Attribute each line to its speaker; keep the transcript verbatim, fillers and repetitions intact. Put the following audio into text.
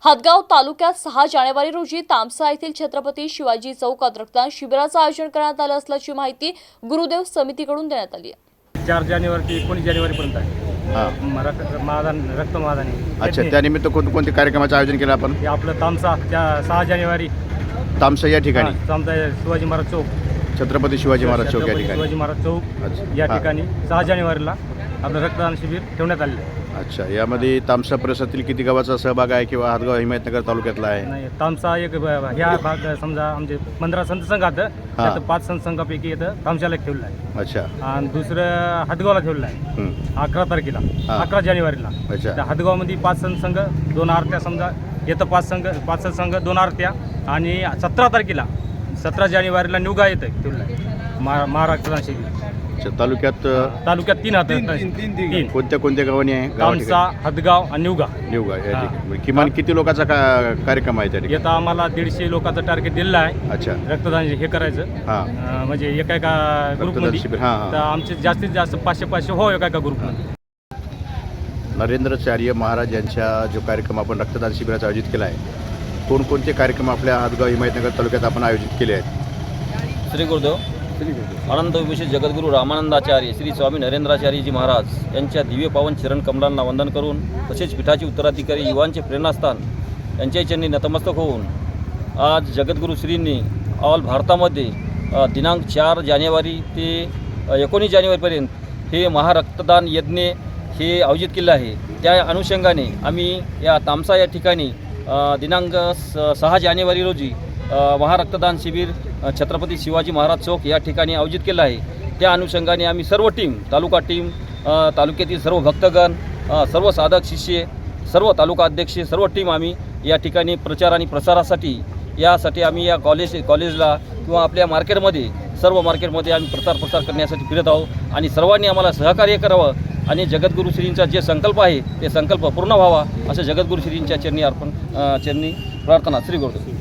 Speaker 1: हदगाव तालुक्यात सहा जानेवारी रोजी तामसा येथील छत्रपती शिवाजी चौकात रक्तदान शिबिराचं आयोजन करण्यात आलं असल्याची माहिती गुरुदेव समितीकडून देण्यात आली आहे।
Speaker 2: चार जानेवारी ते एकोणीस जानेवारीपर्यंत आहे।
Speaker 3: हां
Speaker 2: रक्त महादान रक्त महादान आहे।
Speaker 3: अच्छा, त्यानिमित्त कोणकोणते कार्यक्रमाचं आयोजन केलं आपण?
Speaker 2: हे आपलं तामसा त्या सहा जानेवारी
Speaker 3: तामसा या ठिकाणी
Speaker 2: हा, तामसा शिवाजी महाराज चौक
Speaker 3: छत्रपती शिवाजी महाराज चौक या
Speaker 2: छत्रपती
Speaker 3: ठिकाणी।
Speaker 2: शिवाजी महाराज चौक
Speaker 3: अच्छा,
Speaker 2: या
Speaker 3: हां.
Speaker 2: ठिकाणी सहा जानेवारीला आपलं रक्तदान शिबिर ठेवण्यात आलेलं आहे।
Speaker 3: अच्छा, यामध्ये तामसा परिसरातील किती गावाचा सहभाग आहे किंवा हदगाव हिमायतनगर तालुक्यातला आहे?
Speaker 2: नाही, तामसा एक ब- ह्या भाग समजा आमचे पंधरा संत संघ आहेत, त्यात पाच संत संघापैकी येतं तामशाला ठेवलं आहे
Speaker 3: अच्छा,
Speaker 2: आणि दुसरं हदगावला ठेवलं आहे
Speaker 3: हं.
Speaker 2: अकरा तारखेला
Speaker 3: हां.
Speaker 2: अकरा जानेवारीला।
Speaker 3: अच्छा.
Speaker 2: त्या हदगावमध्ये पाच संत संघ दोन आरत्या समजा येतं, पाच संघ पाच संत संघ दोन आरत्या आणि सतरा तारखेला सतरा जानेवारीला निवगा येतं ठेवलं आहे महा महाराष्ट्र शिबिर।
Speaker 3: अच्छा, तालुक्यात अ,
Speaker 2: तालुक्यात तीन हात तीन
Speaker 3: कोणत्या कोणत्या गावांनी आहे? गावा
Speaker 2: तामसा हदगाव आणि निवगा
Speaker 3: निवगा या
Speaker 2: हां.
Speaker 3: ठिकाणी. किमान किती लोकांचा का कार्यक्रम आहे त्या ठिकाणी?
Speaker 2: येतं आम्हाला दीडशे लोकांचं टार्गेट दिलेलं आहे
Speaker 3: अच्छा,
Speaker 2: रक्तदान हे करायचं।
Speaker 3: हां
Speaker 2: अं, म्हणजे एका एका
Speaker 3: रक्तदान
Speaker 2: ग्रुपमध्ये
Speaker 3: शिबिर, हां, हां.
Speaker 2: तर आमचे जास्तीत जास्त पाचशे पाचशे हो एका एका ग्रुपमध्ये।
Speaker 3: नरेंद्राचार्य महाराज यांचा जो कार्यक्रम आपण रक्तदान शिबिराचा आयोजित केला आहे, कोणकोणते कार्यक्रम आपल्या हदगाव हिमायतनगर तालुक्यात आपण आयोजित केले आहेत?
Speaker 4: श्री गुरुदेव अनंत विभूषित जगद्गुरू रामानंदाचार्य श्री स्वामी नरेंद्राचार्यजी महाराज यांच्या दिव्य पावन चरण कमलांना वंदन करून तसेच पीठाचे उत्तराधिकारी युवांचे प्रेरणास्थान यांच्या चरणी नतमस्तक होऊन आज जगद्गुरू श्रींनी ऑल भारतामध्ये अ, दिनांक चार जानेवारी ते अ, एकोणीस जानेवारीपर्यंत हे महारक्तदान यज्ञ हे आयोजित केलं आहे। त्या अनुषंगाने आम्ही या तामसा या ठिकाणी अ, दिनांक स सहा जानेवारी रोजी अ, महारक्तदान शिबिर अ, छत्रपती शिवाजी महाराज चौक या ठिकाणी आयोजित केलं आहे। त्या अनुषंगाने आम्ही सर्व टीम तालुका टीम अ, तालुक्यातील सर्व भक्तगण अ, सर्व साधक शिष्य सर्व तालुका अध्यक्ष सर्व टीम आम्ही या ठिकाणी प्रचार आणि प्रसारासाठी यासाठी आम्ही या कॉलेज कॉलेजला किंवा आपल्या मार्केटमध्ये सर्व मार्केटमध्ये आम्ही प्रचार प्रसार करण्यासाठी फिरत आहोत आणि सर्वांनी आम्हाला सहकार्य करावं आणि जगद्गुरू श्रींचा जे संकल्प आहे ते संकल्प पूर्ण व्हावा असं जगद्गुरू श्रींच्या चरणी अर्पण अ, चरणी प्रार्थना। श्री गुरुदेव।